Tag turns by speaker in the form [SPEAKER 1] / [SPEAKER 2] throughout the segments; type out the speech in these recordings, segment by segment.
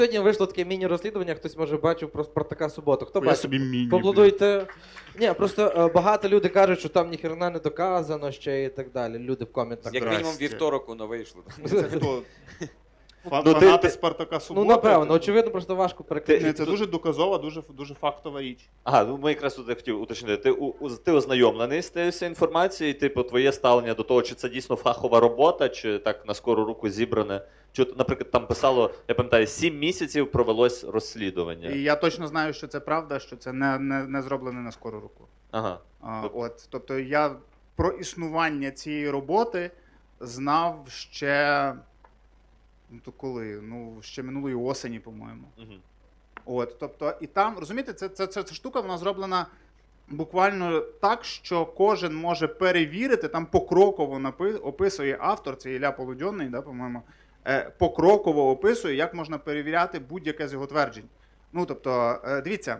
[SPEAKER 1] Сьогодні вийшло таке міні-розслідування, хтось може бачив про Спартака Суботу. Хто
[SPEAKER 2] Я
[SPEAKER 1] бачив?
[SPEAKER 2] собі міні.
[SPEAKER 1] Поаплодуйте. Ні, просто багато люди кажуть, що там ніхрена не доказано ще і так далі. Люди в коментах.
[SPEAKER 3] Як мінімум
[SPEAKER 2] Здрасте.
[SPEAKER 3] вівторок воно вийшло.
[SPEAKER 2] Це хто?
[SPEAKER 4] Ну,
[SPEAKER 2] Фанати Спартака Суботи?
[SPEAKER 1] Ну, напевно, очевидно, просто важко
[SPEAKER 2] Ні,
[SPEAKER 1] перекликати.
[SPEAKER 2] це дуже доказова, дуже фактова річ.
[SPEAKER 4] Ага, ну ми якраз тут я хотів уточнити. Ти ознайомлений з цією інформацією, типу, твоє ставлення до того, чи це дійсно фахова робота, чи так на скору руку зібране. Чи, наприклад, там писало, я пам'ятаю, 7 місяців провелось розслідування.
[SPEAKER 2] І я точно знаю, що це правда, що це не зроблене на скору руку.
[SPEAKER 4] Ага.
[SPEAKER 2] Тобто я про існування цієї роботи знав ще. Ну то коли? Ну, ще минулої осені, по-моєму.
[SPEAKER 4] Угу.
[SPEAKER 2] Тобто, і там, розумієте, ця штука вона зроблена буквально так, що кожен може перевірити, там покроково описує автор, це Ілля Полудьонний, да, по-моєму, покроково описує, як можна перевіряти будь-яке з його тверджень. Ну, тобто, дивіться,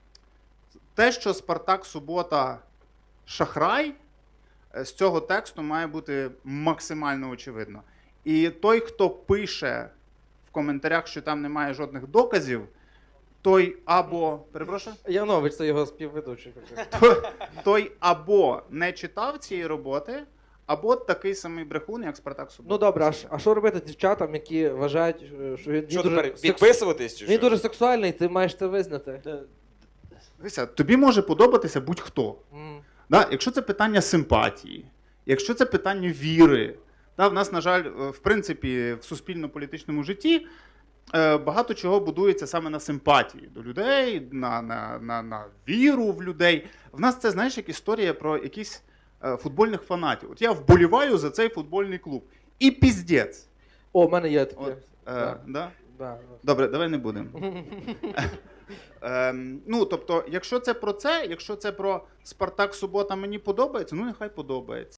[SPEAKER 2] те, що Спартак Субота шахрай, з цього тексту має бути максимально очевидно. І той, хто пише в коментарях, що там немає жодних доказів, той або, перепрошую?
[SPEAKER 1] Янович, це його співведучий.
[SPEAKER 2] Той або не читав цієї роботи, або такий самий брехун, як Спартак Субота.
[SPEAKER 1] Ну добре, а що робити дівчатам, які вважають, що він
[SPEAKER 3] Що
[SPEAKER 1] дуже,
[SPEAKER 3] тепер, підписуватись чи
[SPEAKER 1] він
[SPEAKER 3] що?
[SPEAKER 1] дуже сексуальний, ти маєш це визнати.
[SPEAKER 2] Дивися, тобі може подобатися будь-хто.
[SPEAKER 1] М.
[SPEAKER 2] Да? Якщо це питання симпатії, якщо це питання віри. Да, в нас, на жаль, в принципі, в суспільно-політичному житті багато чого будується саме на симпатії до людей, на віру в людей. В нас це, знаєш, як історія про якісь футбольних фанатів. От я вболіваю за цей футбольний клуб. І піздець.
[SPEAKER 1] О, в мене є таке.
[SPEAKER 2] От,
[SPEAKER 1] Да.
[SPEAKER 2] да?
[SPEAKER 1] Да.
[SPEAKER 2] Добре, давай не будемо. Ну, тобто, якщо це про Спартак Субота мені подобається, ну нехай подобається.